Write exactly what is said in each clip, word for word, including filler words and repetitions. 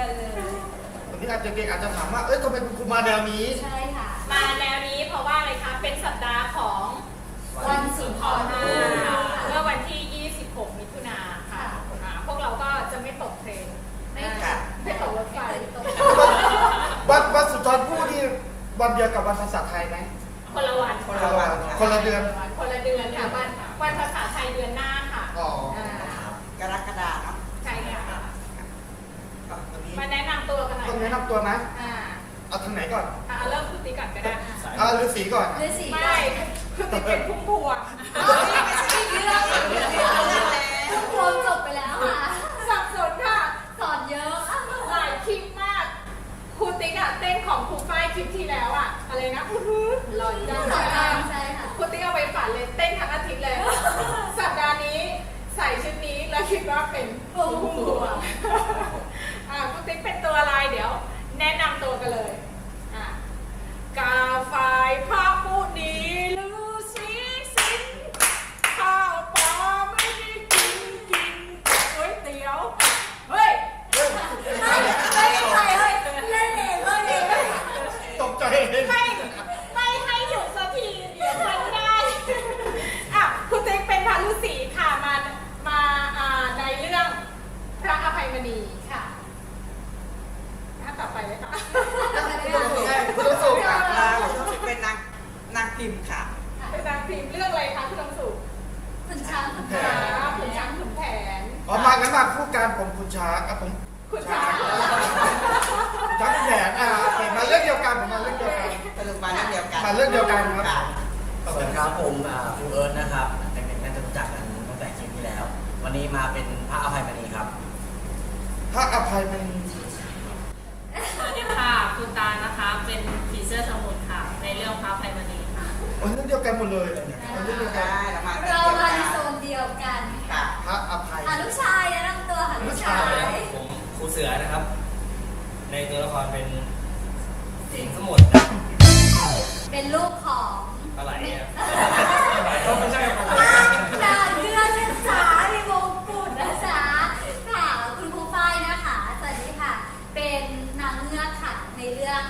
กันเลยวันนี้อาจจะเด็กอาจจะถามว่าเอ้ยทำไมคุณครูมาแนวนี้ใช่ค่ะมาแนวนี้เพราะว่าอะไรคะเป็นสัปดาห์ของวันสุนทรภู่เมื่อวันที่ยี่สิบหกมิถุนาค่ะพวกเราก็จะไม่ตกเทรนไม่ค่ะไม่ตกรถไฟวันวันสุนทรภู่นี่วันเดียวกับวันภาษาไทยไหมคนละวันคนละวันคนละเดือนคนละเดือนค่ะวันวันภาษาไทยเดือนหน้าค่ะอ๋อกรกฎาคมเนาะใช่ค่ะมาแนะนำตัวกันหน่อยต้องแนะนำตัวนะอ่าเอาทางไหนก่อนอ่าเริ่มคุณติ๊กก่อนก็ได้อ่าฤาษีก่อนฤาษีไม่คุณติ๊กเป็นพุ่มพวงไม่ใช่เรื่องพุ่มพวงจบไปแล้วค่ะสับสนค่ะสอนเยอะหลายคลิปมากครูติ๊กอะเต้นของครูฝ้ายคลิปที่แล้วอะอะไรนะอื้อหือหล่อจังใช่ค่ะครูติ๊กเอาไปฝันเลยเต้นทั้งอาทิตย์เลยสัปดาห์นี้ใส่ชุดนี้แล้วคิดว่าเป็นพุ่มพวงอ่าครูติ๊กเป็นตัวอะไรเดี๋ยวแนะนำตัวกันเลยอ่ากาไฟพระผู้ดีฤาษีสิงห์ข้าวปลาไม่ได้กินกินก๋วยเตี๋ยวเฮ้ยไม่ใช่เฮ้ยเล่นเองเล่นเองตกใจไม่ไม่ให้หยุดสักทีเดี๋ยวมันไม่ได้อ่ะคุณติ๊กเป็นพระฤาษีค่ะมามาอ่าในเรื่องพระอภัยมณีค่ะถ้าต่อไปเลยค่ะคุณต้องสูงค่ะเป็นนางนางพิมพ์ค่ะเป็นนางพิมพ์เรื่องอะไรคะคุณต้องสูงคุณช้างคุณแผนคุณช้างคุณแผนอ๋อมางั้นมาคู่กันผมคุณช้างอ่ะผมคุณช้างคุณช้างคุณแผนอ่าเห็นมาเรื่องเดียวกันผมมาเรื่องเดียวกันสรุปมาเรื่องเดียวกันมาเรื่องเดียวกันครับสวัสดีครับผมครูเอิร์ธนะครับเด็กๆน่าจะรู้จักกันตั้งแต่คลิปที่แล้ววันนี้มาเป็นพระอภัยมณีครับพระอภัยมณีสวัสดีค่ะคุณตานะคะเป็นผีเสื้อสมุทรค่ะในเรื่องพระอภัยมณีค่ะโอ้เรื่องเดียวกันหมดเลยเรื่องเดียวกันเรามาในโซนเดียวกันค่ะพระอภัยอ่ะลูกชายแนะนำตัวค่ะลูกชายผมครูเสือนะครับในตัวละครเป็นสิงห์สมุทรเป็นลูกของอะไรเนี่ยไม่ใช่ของดาเลือดนะจ๊ะในวงกุฎนะจ๊ะค่ะคุณครูฝ้ายนะคะสวัสดีค่ะเป็นนางเงือกค่ะในเรื่อง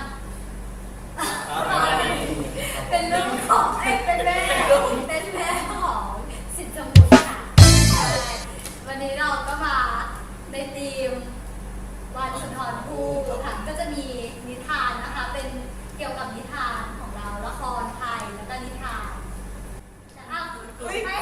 เป็นลูกของเอ้เป็นแม่เป็นแม่ของสินสมุทรค่ะวันนี้เราก็มาในธีมวันสุนทรภู่ค่ะก็จะมีนิทานนะคะเป็นเกี่ยวกับนิทานของเราละครไทยแล้วก็นิทานอ้าวไม่มี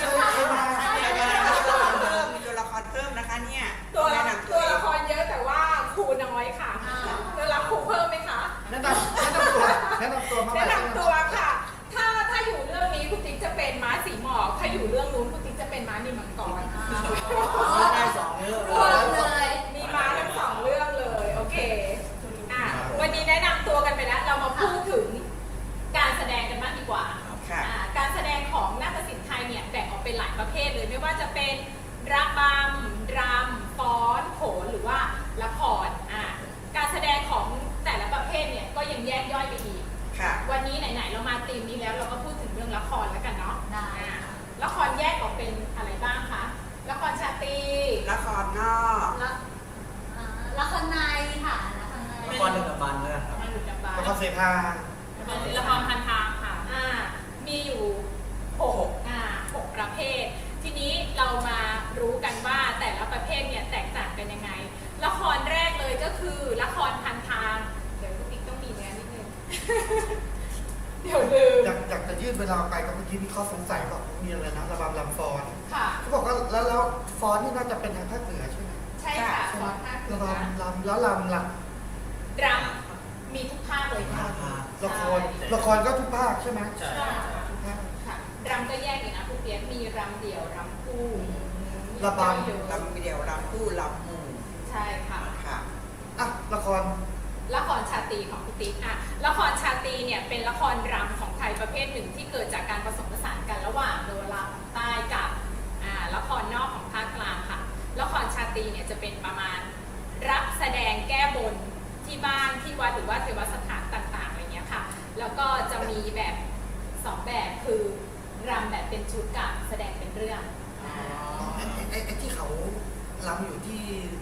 ตัวละครเพิ่มนะคะเนี่ยตัวตัวละครเยอะแต่ว่าครูน้อยค่ะจะรับครูเพิ่มไหมคะแนะนำแนะนำตัวแนะนำตัวมาแนะนำตัวค่ะถ้าถ้าอยู่เรื่องนี้คุณติ๊กจะเป็นม้าสีหมอกถ้าอยู่เรื่องนู้นคุณติ๊กจะเป็นม้านิมมังกรได้สองเรื่องรวมเลยมีม้าทั้งสองเรื่องเลยโอเคอ่ะวันนี้แนะนำตัวกันไปแล้วเรามาพูดถึงการแสดงกันบ้างดีกว่าการแสดงของนาฏศิลป์ไทยเนี่ยแบ่งออกเป็นหลายประเภทเลยไม่ว่าจะเป็นระบำรำฟ้อนโขนหรือว่าละครอ่ะการแสดงของแต่ละประเภทเนี่ยก็ยังแยกย่อยไปอีกวันนี้ไหนๆเรามาธีมนี้แล้วเราก็พูดถึงเรื่องละครแล้วกันเนาะละครแยกออกเป็นอะไรบ้างคะละครชาตรีละครนอกละครในค่ะละครดึกดำบรรพ์นะครับละครเสภาละครพันทางค่ะอ่ามีอยู่หกอ่าหกประเภททีนี้เรามารู้กันว่าแต่ละประเภทเนี่ยแตกต่างกันยังไงละครแรกเลยก็คือละครพันทางเดี๋ยวคุณติ๊กต้องมีเนื้อนิดนึงเดี๋ยวลืมอยากอยากจะยืดเวลาไปกับเมื่อกี้มีข้อสงสัยบอกมีอะไรนะระบำลำฟ้อนค่ะเขาบอกว่าแล้วแล้วฟ้อนนี่น่าจะเป็นทางภาคเหนือใช่ไหมใช่ค่ะฟ้อนภาคเหนือระบำลำแล้วลำลำรำมีทุกภาคเลยค่ะละครละครก็ทุกภาคใช่ไหมใช่ทุกภาคค่ะรำก็แยกอยู่นะคุณเปียกมีรำเดี่ยวรำคู่ระบำรำเดี่ยวรำคู่รำหมู่ใช่ค่ะค่ะอ่ะละครละครชาตรีของคุณติ๊กอ่ะละครชาตรีเนี่ยเป็นละครรำของไทยประเภทหนึ่งที่เกิดจากการผสมผสานกันระหว่างโนราของใต้กับอ่าละครนอกของภาคกลางค่ะละครชาตรีเนี่ยจะเป็นประมาณรับแสดงแก้บนที่บ้านที่วัดหรือว่าเทวสถานต่างๆอะไรเงี้ยค่ะแล้วก็จะมีแบบสองแบบคือรำแบบเป็นชุดกับแสดงเป็นเรื่องไอ้ไอ้ที่เขารำอยู่ที่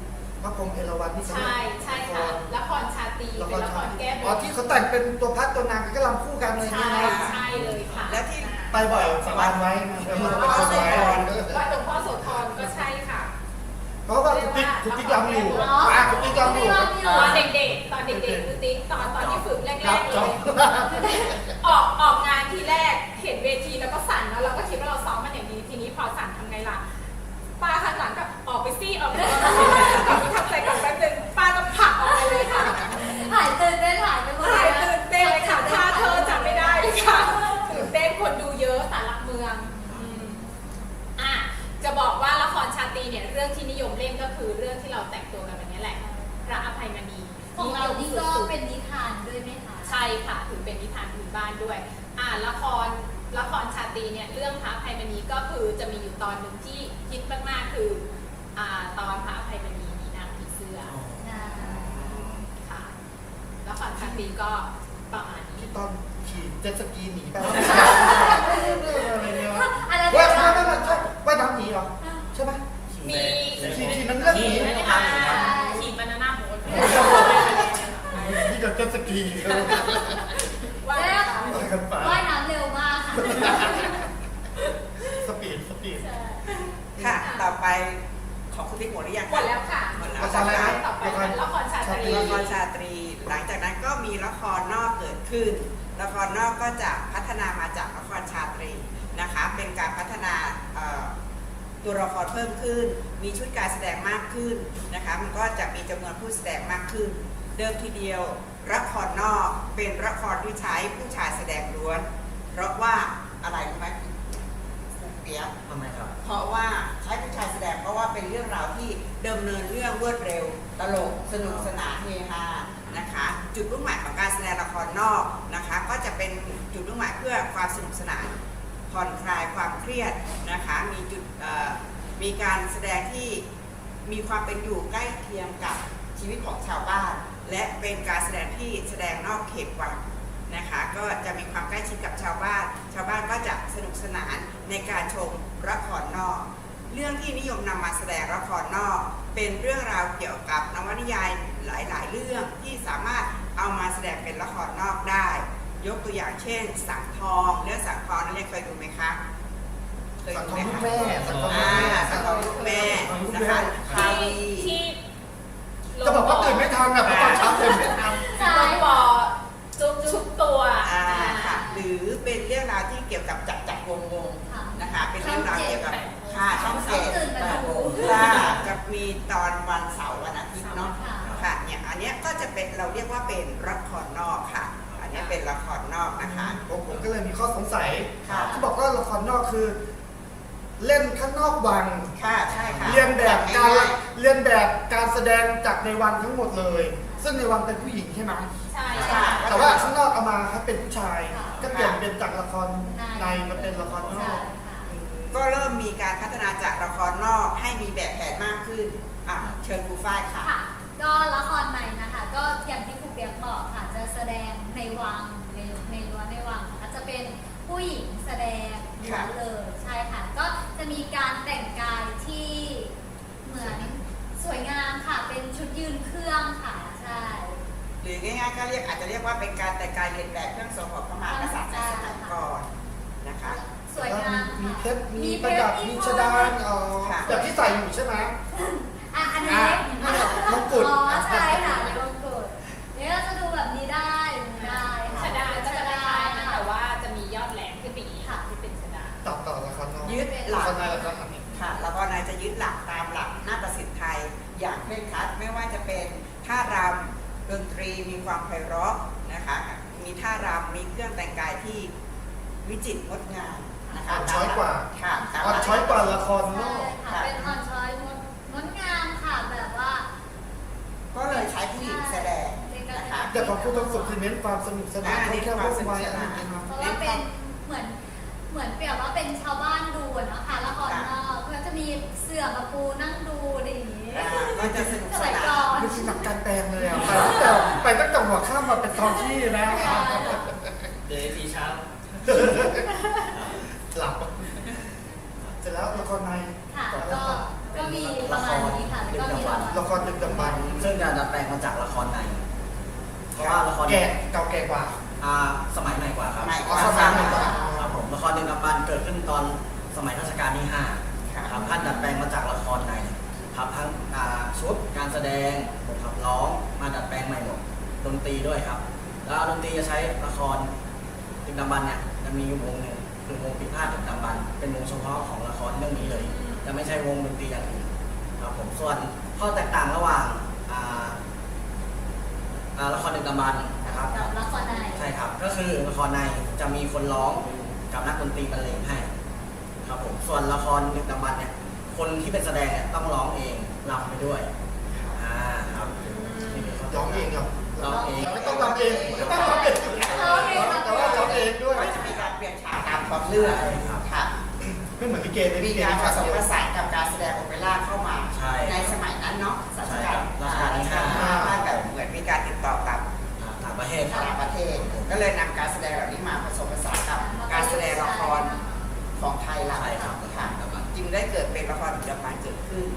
พระพรหมเอราวัณนี่ใช่ใช่ค่ะละครชาตรีเป็นละครแก้บอ๋อน ที่เขาแต่งเป็นตัวพัดตัวนางก็รำคู่กันเลยใช่นะใช่เลยค่ะและที่ไปบ่อยสบานไว้หลวงพ่อโสธรวัดหลวงพ่อโสธรก็ใช่ค่ะเพราะว่าคุณติ๊กคุณติ๊กรำอยู่อ่ะคุณติ๊กรำอยู่ตอนเด็กๆ ตอนเด็กๆคือติ๊กตอนตอนที่ฝึกแรกๆเลย ออกออกงานทีแรกเห็นเวทีแล้วก็สั่นแล้วเราก็คิดว่าเราซ้อมมันอย่างนี้ทีนี้พอสั่นทำไงล่ะป้าข้างหลังกับออกไปซี่ออกไปกลับไปทำใจก่อนแป๊บนึงป้าก็ผลักออกไปเลยค่ะหายตื่นเต้นหายไปหมดหายตื่นเต้นเลยค่ะถ้าเธอจำไม่ได้เลยค่ะตื่นเต้นคนดูเยอะสารหลักเมืองอืมอ่ะจะบอกว่าละครชาตรีเนี่ยเรื่องที่นิยมเล่นก็คือเรื่องที่เราแต่งตัวกันแบบนี้แหละพระอภัยมณีของเรานี่ก็เป็นนิทานด้วยไหมคะใช่ค่ะถือเป็นนิทานพื้นบ้านด้วยอ่าละครละครชาตรีเนี่ยเรื่องพระอภัยมณีก็คือจะมีอยู่ตอนหนึ่งที่ฮิตมากๆคืออ่าตอนพระอภัยมณีมีนางผีเสื้ออ่าค่ะละครชาตรีก็ประมาณนี้ที่ตอนขี่เจ็ตสกีหนีไปอันนั้นว่าเป็นไม่ไม่ไม่ใช่ว่ายน้ำหนีเหรอใช่ไหมมีขี่ขี่นั้นเรื่องหนีไม่ได้ทำครับขี่บานาน่าโบ๊ทที่กับเจ็ตสกีว่าแล้วไปกันไปว่ายน้ำเร็วมากค่ะสปีดสปีดใช่ค่ะ ต่อไปของคุณติ๊กหมดหรือยังหมดแล้วค่ะหมดแล้วละครอะไรนะต่อไปละครชาตรีละครชาตรี หลังจากนั้นก็มีละครนอกเกิดขึ้น ละครนอกก็จะพัฒนามาจากละครชาตรีนะคะ เป็นการพัฒนาเอ่อตัวละครเพิ่มขึ้น มีชุดการแสดงมากขึ้นนะคะ มันก็จะมีจำนวนผู้แสดงมากขึ้น เดิมทีเดียวละครนอกเป็นละครที่ใช้ผู้ชายแสดงล้วน เพราะว่าอะไรรู้ไหมคุณเปียกทำไมครับเพราะว่าใช้ผู้ชายแสดงเพราะว่าเป็นเรื่องราวที่ดำเนินเรื่องรวดเร็ว ตลกสนุกสนานเฮฮานะคะ จุดมุ่งหมายของการแสดงละครนอกนะคะ ก็จะเป็นจุดมุ่งหมายเพื่อความสนุกสนานผ่อนคลายความเครียดนะคะ มีจุดเอ่อมีการแสดงที่มีความเป็นอยู่ใกล้เคียงกับชีวิตของชาวบ้าน และเป็นการแสดงที่แสดงนอกเขตวังนะคะ ก็จะมีความใกล้ชิดกับชาวบ้าน ชาวบ้านก็จะสนุกสนานในการชมละครนอก เรื่องที่นิยมนำมาแสดงละครนอก เป็นเรื่องราวเกี่ยวกับนวนิยายหลาย ๆ เรื่องที่สามารถเอามาแสดงเป็นละครนอกได้ ยกตัวอย่างเช่นสังทองเรื่องสังทองนั้นเคยดูไหมคะเคยสังดูทองไหมลูกคะแม่สังทองลูกอ่าแม่สังทองลูกแม่นะคะคาที่วีที่จะบอกว่าตื่นไม่ทันอ่ะเพราะตอนเช้าตื่นไม่ทันใช่ลงบอจุบชุบตัวอ่าค่ะหรือเป็นเรื่องราวที่เกี่ยวกับจักรจักรวงศ์วงศ์ค่ะนะคะ เป็นเรื่องราวเกี่ยวกับค่าช่องเจ็ดตื่นมาดูค่ะจะมีตอนวันเสาร์วันอาทิตย์เนาะค่ะค่ะเนี่ยอันเนี้ยก็จะเป็นเราเรียกว่าเป็นละครนอกค่ะ อันเนี้ยเป็นละครนอกนะคะผมผมก็เลยมีข้อสงสัยค่ะที่บอกว่าละครนอกคือ เล่นข้างนอกวังค่ะใช่ค่ะเรียนแบบการง่ยเรียนแบบการแสดงจากในวังทั้งหมดเลย ซึ่งในวังเป็นผู้หญิงใช่ไหมใช่ค่ะแต่ว่าข้างนอกเอามาให้เป็นผู้ชายค่ะก็เปลี่ยนเป็นจากละครในในมาเป็นละครนใช่อกค่ะก็เริ่มมีการพัฒนาจากละครนอกให้มีแบบแผนมากขึ้นอ่ะเชิญครูฝ้ายค่ะค่ะ ก็ละครในนะคะ ก็อย่างที่ครูเปียกบอกค่ะ จะแสดงในวังในในรั้วในวังนะคะจะเป็นผู้หญิงแสดงล้วนเลยใช่ค่ะ ก็จะมีการแต่งกายที่เหมือนสวยงามค่ะ เป็นชุดยืนเครื่องค่ะใช่หรือง่ายๆก็เรียกอาจจะเรียกว่าเป็นการแต่งกายเรียนแบบเครื่องทรงของพระมหากษัตริย์ในสมัยก่อนนะคะสวยงามมีค่ะเพชรมีประดับมีชดานอ๋อค่ะแบบที่ใส่อยู่ใช่ไหมอ่ะอันนี้อ่ะมงกุฎอ๋อใช่ค่ะในมงกุฎเนี่ยก็จะดูแบบนี้ได้ได้ค่ะชดาก็จะคล้ายๆนะแต่ว่าจะมียอดแหลมขึ้นไปอีกค่ะที่เป็นชดาต่อต่อละครนอกยึดหลักละครในละครในค่ะแล้วก็นายจะยึดหลักตามหลักนาฏศิลป์ไทยอย่างเคร่งครัดไม่ว่าจะเป็นท่ารำดนตรีมีความไพเราะนะคะมีท่ารำมีเครื่องแต่งกายที่วิจิตรงดงามนะคะอ่อนช้อยกว่าค่ะตามหอ่อนลักช้อยกว่าละครนใช่อกค่ะ เป็นอ่อนช้อยงดงดงามค่ะแบบว่าก็เลยใช้ผู้หญิงแสดงนะคะแต่ของคุณต้องสุดคือเน้นความสนุกสนานท่องเที่ยวร่วมวัยอะไรอย่างเงี้ยครับเพราะว่าเป็นเหมือนเหมือนเปรียบว่าเป็นชาวบ้านดูอะเนาะค่ะละครนอกก็จะมีเสื่อมาปูนั่งดูอะไรอย่างนี้อ่าก็จะสนุกสสมัยนาก่อน นนี่คือหนักการแปลงเลยอ่ะ ไปตั้งแต่ไปตั้งแต่หัวข้ามมาเป็นทองที่นะใช่เดี๋ยวทีเช้าหลับเสร็จแล้วละครในค่ะก็ก็มีประมาณนี้ค่ะแล้วก็มีรางวัลละครดึกดำบรรพ์ซึ่งจะดัดแปลงมาจากละครในเพราะว่าละครแก่เก่าแก่กว่าอ่าสมัยใหม่กว่าครับใหม่อ๋อสมัยใหม่กว่าครับผมละครดึกดำบรรพ์เกิดขึ้นตอนสมัยรัชกาลที่ห้าครับท่านดัดแปลงมาจากละครในครับทั้งอ่าชุดการแสดงบทขับร้องมาดัดแปลงใหม่หมดดนตรีด้วยครับ แล้วดนตรีจะใช้ละครดึกดำบรรพ์เนี่ยจะมีวงหนึ่งคือวงปีพาทดึกดำบรรพ์เป็นวงเฉพาะของละครเรื่องนี้เลยจะไม่ใช่วงดนตรีอย่างอื่นครับผมส่วนข้อแตกต่างระหว่างอ่าอ่าละครดึกดำบรรพ์นะครับกับละครในใช่ครับก็คือละครในจะมีคนร้องกับนักดนตรีบรรเลงให้ครับผมส่วนละครดึกดำบรรพ์เนี่ยคนที่เป็นแสดงเนี่ยต้องร้องเองรำไปด้วยอ่าครับนี่คือข้อแตกร้องต่างเองครับร้องเองไม่ต้องทำเองไม่ต้องทำเองแต่ว่าร้องเองด้วยก็จะมีการเปลี่ยนฉากตามความเรื่องค่ะไม่เหมือนลิเกเลยมีลิเกการผฉากสมเดียวผสานกับการแสดงโอเปร่าเข้ามาใช่ในสมัยนั้นเนาะรัชใช่กาคลรับรัชกาลที่ห้าถ้าแบบเหมือนมีการติดต่อกับอ่าต่างประเทศครับต่างประเทศ ก็เลยนำการแสดงเหล่านี้มาผสมผสานกับการแสดงละครของไทยเราใช่ครับค่ะจึงได้เกิดเป็นละครดึกดำบรรพ์เกิดขึ้น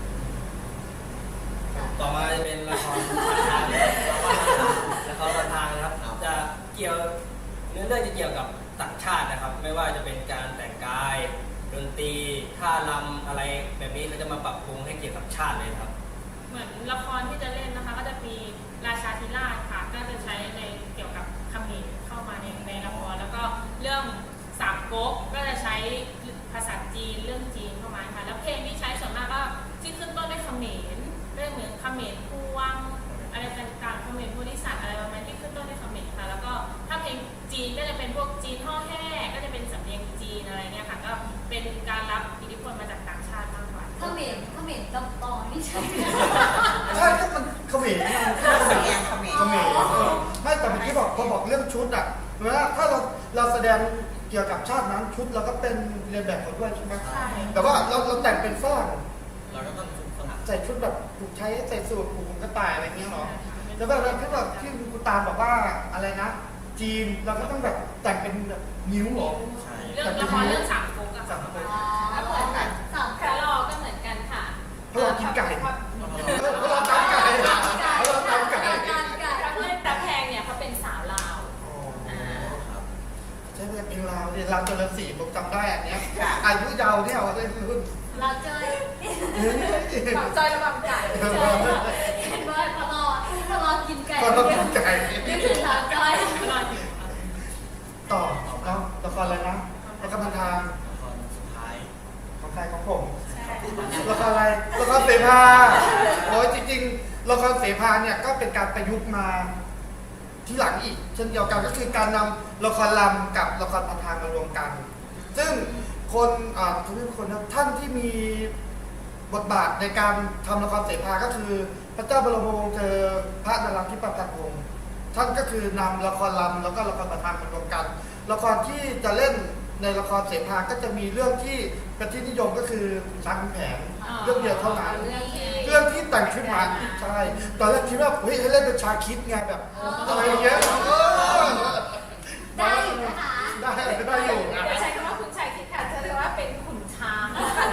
ต่อมาจะเป็นละครพันทางละครพันทางนะครับ จะเกี่ยวเนื้อเรื่องจะเกี่ยวกับต่างชาตินะครับ ไม่ว่าจะเป็นการแต่งกายดนตรีท่ารำอะไรแบบนี้เขาจะมาปรับปรุงให้เกี่ยวกับชาติเลยครับเหมือนละครที่จะเล่นนะคะ ก็จะมีราชาธิราชค่ะ ก็จะใช้ในเกี่ยวกับเขมรเข้ามาในในละครแล้วก็เรื่องสามก๊กก็จะใช้ภาษาจีนเรื่องจีนเข้ามาค่ะแล้วเพลงที่ใช้ส่วนมากก็ที่ขึ้นต้นด้วยเขมรเรื่องเหมือนเขมรพวงอะไรต่างๆเขมรโพธิสัตว์อะไรประมาณที่ขึ้นต้นด้วยเขมรค่ะแล้วก็ถ้าเพลงจีนก็จะเป็นพวกจีนห่อแห่ก็จะเป็นสำเนียงจีนอะไรเงี้ยค่ะก็เป็นการรับอิทธิพลมาจากต่างชาติมากกว่าเขมรเขมรกับตองนี่ใช่ไหมใช่ก็มันเขมรสำเนียงเขมรเขมรไม่แต่เมื่อกี้บอกพอบอกเรื่องชุดอ่ะเวลาถ้าเราเราแสดงเกี่ยวกับชาตินั้นชุดเราก็เป็นเรียนแบบเขาด้วยใช่ไหมใช่แต่ว่าเราเราแต่งเป็นฝรั่งเราก็ต้องฝึกฝรั่งใส่ชุดแบบถูกใช้ใส่สูทผูกกระต่ายอะไรเงี้ยเหรอแต่ว่าเราที่แบบที่คุณตาลบอกว่าอะไรนะ จีนเราก็ต้องแบบแต่งเป็นแบบนิ้วเหรอใช่เรื่องละครเรื่องสามก๊กอะสาค่ะมคนอ๋อเหมือนกันสามคาร์ลอก็เหมือนกันค่ะเพราะเรากินไก่เพราะเราตำไก่เพราะเราตำไก่การไก่พระเพื่อนพระแพงเนี่ยเขาเป็นสาวลาวครับใช่ไหมเพลงลาวเนี่ยลาวเจริญศรีผมจำได้อันเนี้ยค่ะอายุยาวเนี่ยเอาได้รุ่นเราเจอฝั่งจอยระบำไก่เจอเห็นว่าพอรอพอรอกินไก่ก็ต้องกินไก่นี่คือเราจอยต่อเนาะละครอะไรนะละครพันทางละครสุดท้ายของใครของผมใช่ละครอะไรละครเสภาโอ้ยจริงๆละครเสภาเนี่ยก็เป็นการประยุกต์มาที่หลังอีก เช่นเดียวกันก็คือการนำละครลำกับละครพันทางมารวมกัน ซึ่งคนอ่าทุกคนนะท่านที่มีบทบาทในการทำละครเสภาก็คือพระเจ้าบรมวงศ์เธอพระนราธิปตักวงศ์ท่านก็คือนำละครลำแล้วก็ละครพันทางมารวมกัน ละครที่จะเล่นในละครเสภาก็จะมีเรื่องที่เป็นที่นิยมก็คือช้างขุนแผนเรื่องเดียวเท่านั้นเรื่องที่เรื่องที่แต่งขึ้นมาใช่ตอนแรกคิดว่าเฮ้ยให้เล่นเป็นชาคิดไงแบบอะไรอย่างเงี้ยเออได้อยู่นะคะได้ได้อยู่นะอย่าใช้คำว่าคุณชายคิดค่ะจะเรียกว่าเป็นขุนช้าง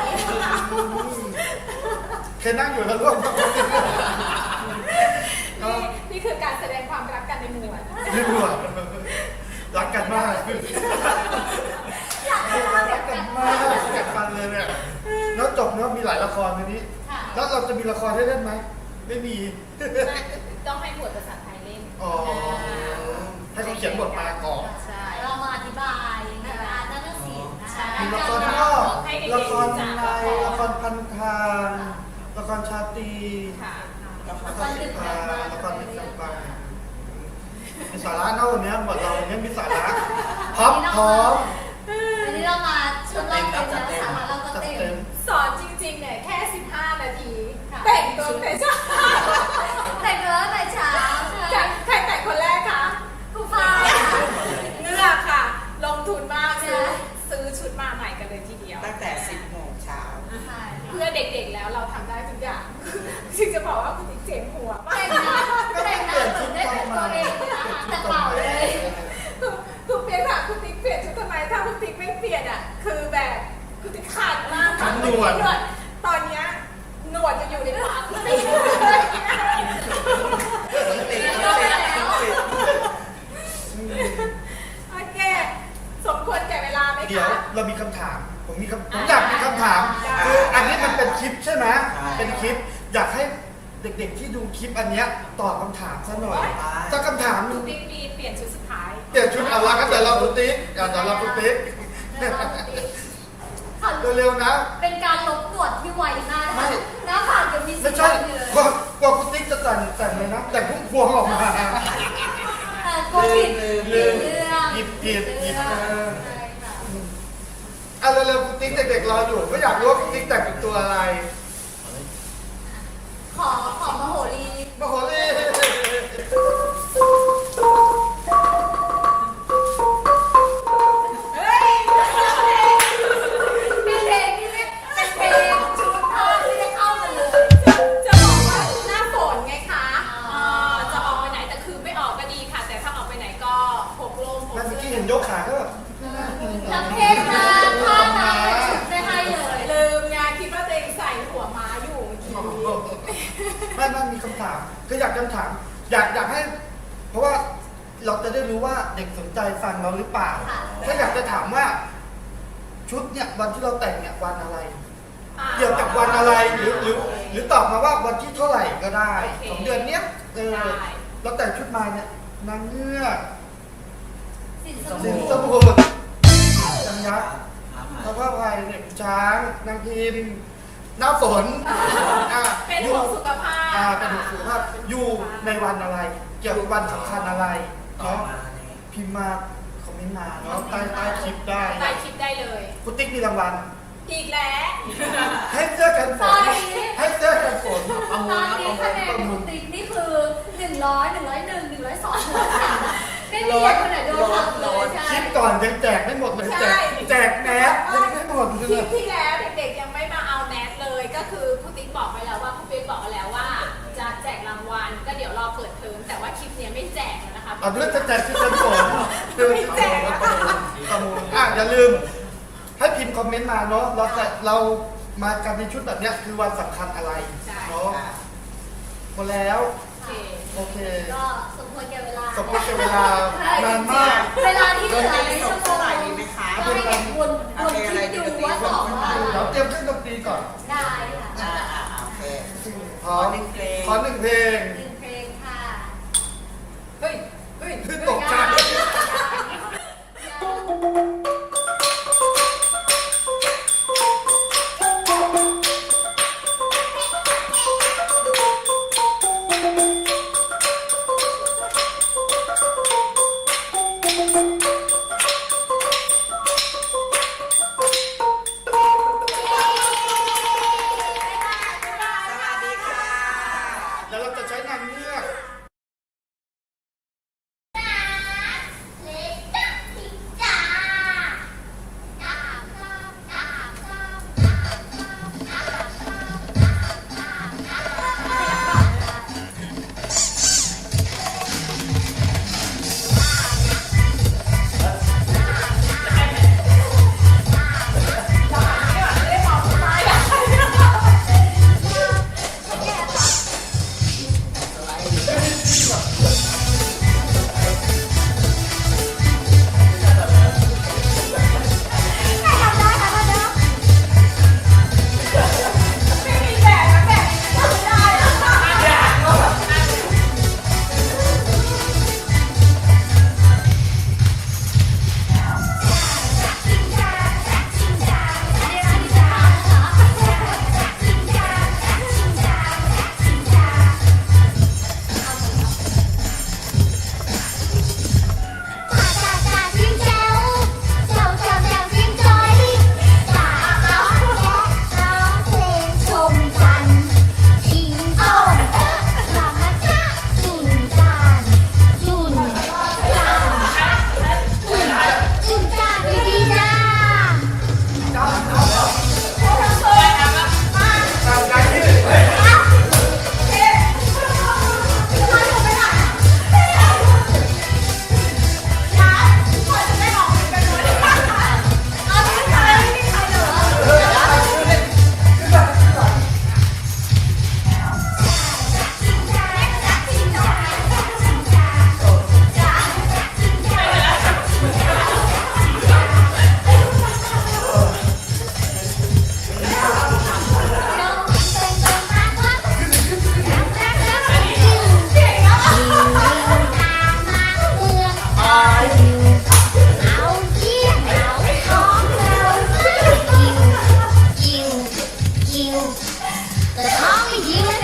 เคยนั่งอยู่แล้วร่วมกับคนอื่นนี่นี่คือการแสดงความรักกันในหมู่อะนี่รัวรักกันมากอยากให้เรารักกันมากเกิดฟันเลยเนี่ยแล้วจบเนาะมีหลายละครวันนี้ค่ะแล้วเราจะมีละครให้เล่นไหมไม่มีต้องให้บทภาษาไทยเล่นอ๋อให้เขาเขียนบทมาก่อนใช่เรามาอธิบายในการนักศิลป์นะคะมีละครนอกละครในละครพันทางละครชาตรีค่ะละครติดตาละครติดตามมีสาระเน่าวันนี้หมดเราวันนี้มีสาระพร้อมพร้อมวันนี้เรามาชุดเราเต็มแล้วสาระเราก็จัดเต็เต็มมสอนจริงๆเนี่ยแค่สิบห้านาทีค่ะแต่งตัวแต่เช้าแต่งตัวตั้งแต่เช้าใครใครแต่งคนแรกคะครูฟ้าเงือกค่ะ ลงทุนมากใช่ซื้อซื้อชุดมาใหม่กันเลยทีเดียวตั้งแต่สิบโมงเช้าใช่เพื่อเด็กๆแล้วเราทำได้ทุกอย่างจึงจะบอกว่าคุณติ๊กเจ็บหัวมากแต่งหน้าแต่งหน้าเหมือนได้เป็นตัวเองเลยนะแต่เปล่าเลยคุณคุณเปลี่ยนค่ะคุณติ๊กเปลี่ยนชุดทำไมถ้าคุณติ๊กไม่เปลี่ยนอ่ะคือแบบคุณติ๊กขาดมากขันหนวดตอนเนี้ยหนวดจะอยู่ในปากคุณติ๊กเดี๋ยวเรามีคำถาม ผมมีคำผมอยากมีคำถามได้คืออันนี้มันเป็นคลิปใช่ไหมใช่เป็นคลิป อยากให้เด็กๆที่ดูคลิปอันเนี้ยตอบคำถามซะหน่อยสักคำถามหคุนึ่ณงติ๊กมีเปลี่ยนชุดสุดท้ายเปลี่ยนชุดเอาละก็เดี๋ยวเราคุณติ๊กเดี๋ยวเราคุณติ๊กเดี๋ยวเราติ๊กค่ะเร็วๆนะเป็นการลบหนวดที่ไวมากไม่หน้าผากจะมีสีไม่ใช่ดำอยู่เลยกว่ากว่าคุณติ๊กจะแต่งแต่งเลยนะ แต่งพุ่งพวงออกมาแต่กลัวผิดลืมผิลืดมเรื่องหยิบผิดหยิบเรื่องเออใช่ค่ะอ่ะเร็วๆคุณติ๊กเด็กๆรออยู่ก็อยากรู้ว่าคุณติ๊กแต่งเป็นตัวอะไรขอขอมโหรีมาโหรีเฮ้ยเป็นเพลงที่ไม่เป็นเพลงชุดผ้าที่ไม่เข้ากันเลยจะบอกว่าหน้าฝนไงคะอ๋อเออจะออกไปไหนแต่คือไม่ออกก็ดีค่ะ แต่ถ้าออกไปไหนก็พกร่มพกแม่เมื่อเสื้กี้อเห็นยกขาก็แบบทั้งเพลงมาผ้ามาชุดไม่ให้เลยลืมไงคิดว่าตัวเองใส่หัวม้าอยู่เมื่อกี้ไม่ไม่มีคำถามคืออยากคำถาม อยากอยากให้ เพราะว่าเราจะได้รู้ว่าเด็กสนใจฟังเราหรือเปล่าค่ะถ้าอยากจะถามว่า ชุดเนี่ยวันที่เราแต่งเนี่ยวันอะไรอ่าเกี่ยวกับวันอะไรหรือหรือหรือตอบมาว่าวันที่เท่าไหร่ก็ได้โอเคของเดือนเนี้ยเออได้เราแต่งชุดมาเนี่ยนางเงือกสินสสินมุสทรมุทรนางยักษ์ครับพระพายไพเนี่ยช้างนางพิมพ์หน้าฝนอ่ะเป็นอยู่ห่วงสุขภาพอ่าเป็นห่วงสุขภาพอยู่ในวันอะไร เกี่ยวกับวันสำคัญอะไรต่อเนาะมาในพิมพ์มาคอมเมนต์มาเนาะใต้ใต้คลิปได้ใต้คลิปได้เลยคุณติ๊กมีรางวัลอีกแล้วให้เสื้อกันฝตอน นนี้ให้เสื้อกันฝนตอนนี้คะแนนคุณติ๊กนี่คือหนึ่งร้อยหนึ่งร้อยหนึ่งหนึ่งร้อยสองไม่มีคนไหนโดนหักเลยใช่คลิปก่อนยังแจกไม่หมดเลยแจกแจกแมสยังไม่หมดเลคลิยปที่แล้วเด็กๆยังไม่มาเอาแมสเลย ก็คือครูติ๊กบอกไปแล้วว่าครูเป๊กบอกไปแล้วว่า จะแจกรางวัลก็เดี๋ยวรอเปิดเทอมแต่ว่าคลิปเนี้ยไม่แจกแล้วนะคะเอาเรื่องจะแจกชุดกันฝนไม่แจกแล้วค่ะประมูลอ่ะอย่าลืม ให้พิมพ์คอมเมนต์มาเนาะเราจะเรามากันในชุดแบบเนี้ยคือวันสำคัญอะไรใช่เนาะหมดแล้วโอเคโอเคก็สมควรแก่เวลาสมควรแก่เวลานานมากเวลาที่เหลือในสชั่วดโมเท่าง ไหร่ดีไหมคะก็ให้เด็กวนวนคิดดูว่าตอบว่าอะไรเราเตรียมเครื่องดนตรีก่อนได้ค่ะอ่าอ่าโอเคพร้อมขอหนึ่งเพลงขอหนึ่งเพลงหนึ่งเพลงค่ะเฮ้ยเฮ้ยคือตกใจสวัสดีค่ะแล้วเราจะใช้นาม But only you and